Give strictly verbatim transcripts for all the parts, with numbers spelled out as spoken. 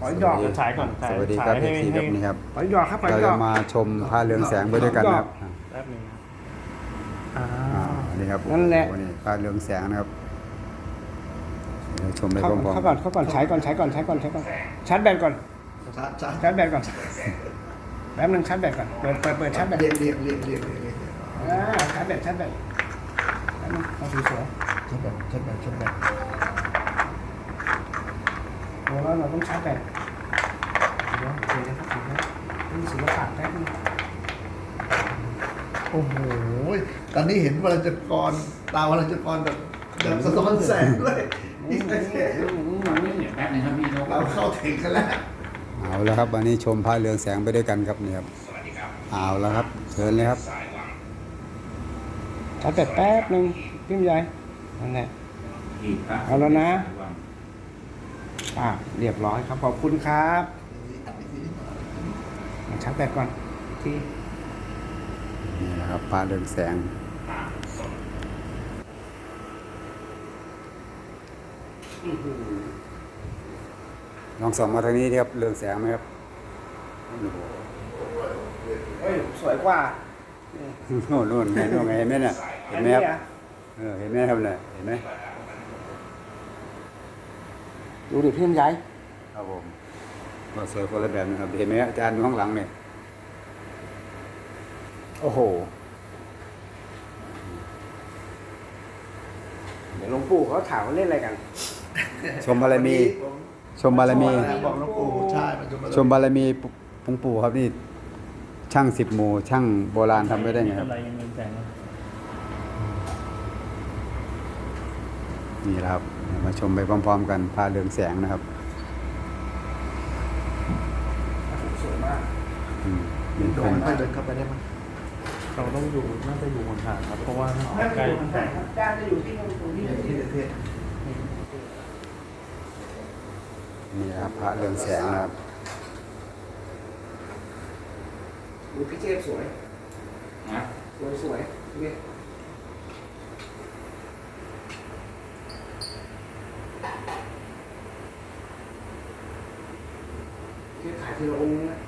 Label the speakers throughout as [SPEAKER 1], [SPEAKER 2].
[SPEAKER 1] อยดอก
[SPEAKER 2] ฉายก่อนฉาย
[SPEAKER 3] สวัสดีครับ
[SPEAKER 2] ฉาย
[SPEAKER 3] เอ
[SPEAKER 2] ให้
[SPEAKER 3] ฟซีค
[SPEAKER 2] ให้
[SPEAKER 3] รับนี่ครับ
[SPEAKER 1] หอยดอกครับหอย
[SPEAKER 3] เรา
[SPEAKER 1] ด
[SPEAKER 3] จะ
[SPEAKER 1] อก
[SPEAKER 3] มาชมพระเรืองแสงไปด้วยกันนะครับ
[SPEAKER 2] แป๊บหนึงนะ
[SPEAKER 1] อ่า
[SPEAKER 3] อ่านี่ครับ
[SPEAKER 1] นั่นแหละ
[SPEAKER 3] โอ้โนี่พระเรืองแสงนะครับเดี๋ยวชมไปพ
[SPEAKER 1] เข้า
[SPEAKER 3] ร้อม
[SPEAKER 1] เข้าก่อนเข้าก่อนใช้ก่อนใช้ก่อนใช้ก่อนใช้ก่อนชาร์จแบตก่อน
[SPEAKER 4] ชาร์จชาร์จ
[SPEAKER 1] ชาร์จแบตก่อนแป๊บนึงชาร์จแบตก่อนเปิดเปิดเปิดชาร์จแบต
[SPEAKER 4] เรียกเรียกเรียกเรียกเรียกเรียก
[SPEAKER 1] อ่าชาร์จแบตชาร์จแบตแป๊บนึงเอาสวย
[SPEAKER 4] ชาร์จแบบชาร์จแบบชาร์จแบบ
[SPEAKER 1] ๆโอ้แล้วเราต้องชาร์จแบตเดี๋ยวเดี๋ยวนะครับเดี๋ยวนะต้องศิลปะแป๊บนึง
[SPEAKER 4] โอ้โหตอนนี้เห็นวรัญจกรตาวรัญจกรแบบแบบสะท้อนแสงด้วยนี่ไง
[SPEAKER 5] แป๊บนึงครับพี่นก
[SPEAKER 4] เราเข้าถึงกันแล้ว
[SPEAKER 3] ๆเอาแล้วครับวันนี้ชมพระเรืองแสงไปด้วยกันครับนี่ครับเอาแล้วครับเชิญเลยครับ
[SPEAKER 1] ชาร์จแบตแป๊บนึงพี่ใหญ่นั่นแหละ เอาแล้วนะ อ่าเรียบร้อยครับขอบคุณครับมาชาร์จแบตก่อนที่
[SPEAKER 3] นี่นะครับพระเรืองแสงลองส่องมาทางนี้ดิครับเรืองแสงไหมครับโอ้โห
[SPEAKER 1] เฮ้ยสวยกว่า
[SPEAKER 3] โน่นโน่นเห็นโน่นไงเห็นไหมเนี่ยเห็นไหมครับ
[SPEAKER 1] อัะ
[SPEAKER 3] เออเห็นไหมครับเนี่ยเห็นไหม
[SPEAKER 1] ดูดิพี่ใหญ่
[SPEAKER 3] ครับผมก็สวยคนละแบบนะครับเห็นไหมอาจารย์อยู่ข้างหลังเนี่ยโอ้โห
[SPEAKER 1] เดี๋ยวหลวงปู่เขาถามว่าเล่นอะไรกัน
[SPEAKER 3] ชมบารมี ชมบารมี
[SPEAKER 4] บอกหลวงปู่ใช่มัน
[SPEAKER 3] ชมบารมีปุงปู่ครับนี่ช่างสิบหมู่ช่างโบราณทำไม่ได้ไงครับ
[SPEAKER 2] อะไรยังเงินแสงวะ
[SPEAKER 3] นี่แหละครับมาชมไปพร้อมๆกันพาเรืองแสงนะครับ
[SPEAKER 1] สวยมาก
[SPEAKER 3] อืมเป็น
[SPEAKER 4] โด
[SPEAKER 3] คน น
[SPEAKER 4] ให้เดินเข้าไปได้ไหม
[SPEAKER 2] เราต้องอยู่น่าจะอยู่ห่างๆครับ เพราะว่าใกล้
[SPEAKER 1] ด้านจะอยู่ที่ตรงนี้
[SPEAKER 4] ที่เทศ
[SPEAKER 3] นี่ครับพระเรืองแสงนะครับ
[SPEAKER 1] ดูพี่เจฟสวย
[SPEAKER 5] นะ
[SPEAKER 1] สวยสวยเนี่ยที่ขายทีละองค์นะ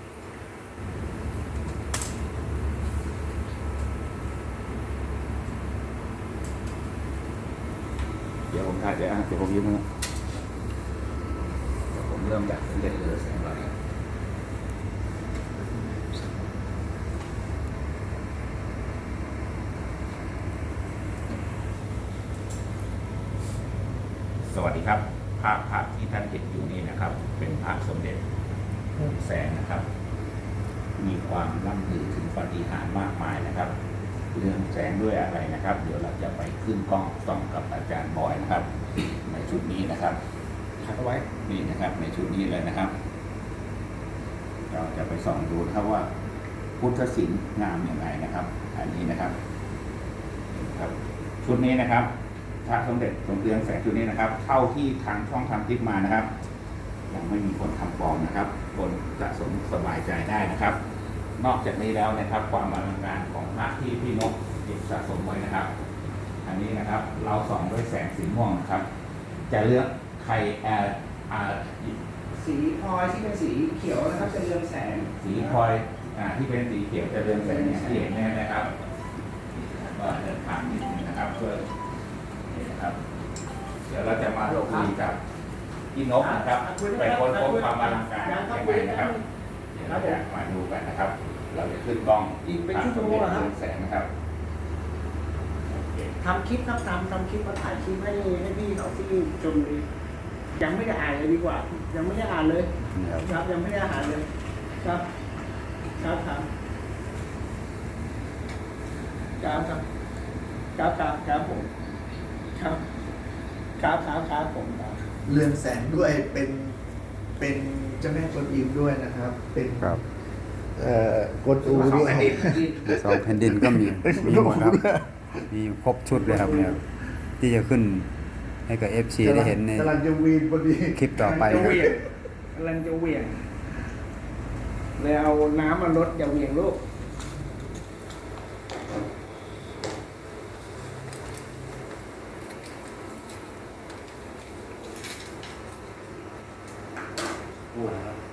[SPEAKER 5] เดี๋ยวผมถ่ายเดี๋ยวเดี๋ยวผมยิ้มนะเดี๋ยวผมเริ่มจากเล่นเรือแสงเราเนี่ยสวัสดีครับภาพภาพที่ท่านเห็นอยู่นี้นะครับ เป็นภาพสมเด็จพระแสงนะครับ มีความล่ำลือถึงปาฏิหาริย์มากมายนะครับ เรื่องแสงด้วยอะไรนะครับ เดี๋ยวเราจะไปขึ้นกล้องส่องกับอาจารย์บอยนะครับ ในชุดนี้นะครับ
[SPEAKER 1] ขัดเอาไว้
[SPEAKER 5] นี่นะครับในชุดนี้เลยนะครับ เราจะไปส่องดูนะครับว่าพุทธศิลป์งามอย่างไรนะครับ อันนี้นะครับครับ ชุดนี้นะครับพระสมเด็จสมเด็จแสงชุดนี้นะครับ เท่าที่ทางช่องทำคลิปมานะครับ ยังไม่มีคนทำปลอมนะครับ คนสะสมสบายใจได้นะครับ นอกจากนี้แล้วนะครับ ความอลังการของพระที่พี่นกเก็บสะสมไว้นะครับ อันนี้นะครับ เราส่องด้วยแสงสีม่วงนะครับ จะเลือกใครแอร์อาร์
[SPEAKER 1] สีพลอยที่เป็นสีเขียวนะครับจะเรืองแสง
[SPEAKER 5] สีพลอยอ่าที่เป็นสีเขียวจะเรืองแสงอย่างที่เห็นเนี่ยนะครับก็เดินทางนิดนึงนะครับเพื่อนี่นะครับ เดี๋ยวเราจะมาคุยกับพี่นกนะครับไปค้นพบความอลังการยังไงนะครับเดี๋ยวเราจะมาดูกันนะครับ เราจะขึ้นกล้อง
[SPEAKER 1] อีกเป็นชั่วโมงเหรอครับ
[SPEAKER 5] เรืองแสงนะครับโอเค
[SPEAKER 1] ทำคลิปครับทำทำคลิปมาถ่ายคลิปให้ให้พี่เขาที่ชมดียังไม่ได้อ่านเลยดีกว่า ยังไม่ได้อ่านเลย
[SPEAKER 3] นี่ครับ
[SPEAKER 1] ครับยังไม่ได้อ่านเลย ครับครับครับครับครับครับครับครับผมครับครับครับครับผมครับ
[SPEAKER 4] เรืองแสงด้วยเป็นเป็นเจ้าแม่กวนอิมด้วยนะครับ เป็น
[SPEAKER 3] ครับ
[SPEAKER 4] เอ่อกวนอูด้วย
[SPEAKER 3] สองแผ่นดินก็มีมีหมดครับมีครบชุดเลยครับเนี่ยที่จะขึ้นให้กับ เอฟ ซี ได้เห็นใน
[SPEAKER 4] กำลังจะวีนพอดี
[SPEAKER 3] คลิปต่อไป
[SPEAKER 1] จะ
[SPEAKER 3] ค
[SPEAKER 1] เห
[SPEAKER 3] รับ
[SPEAKER 1] วี่ยงกำลังจะเหวี่ยงเลยเอาน้ำมาลดอย่าเหวี่ยงลูก
[SPEAKER 5] พูดนะครับ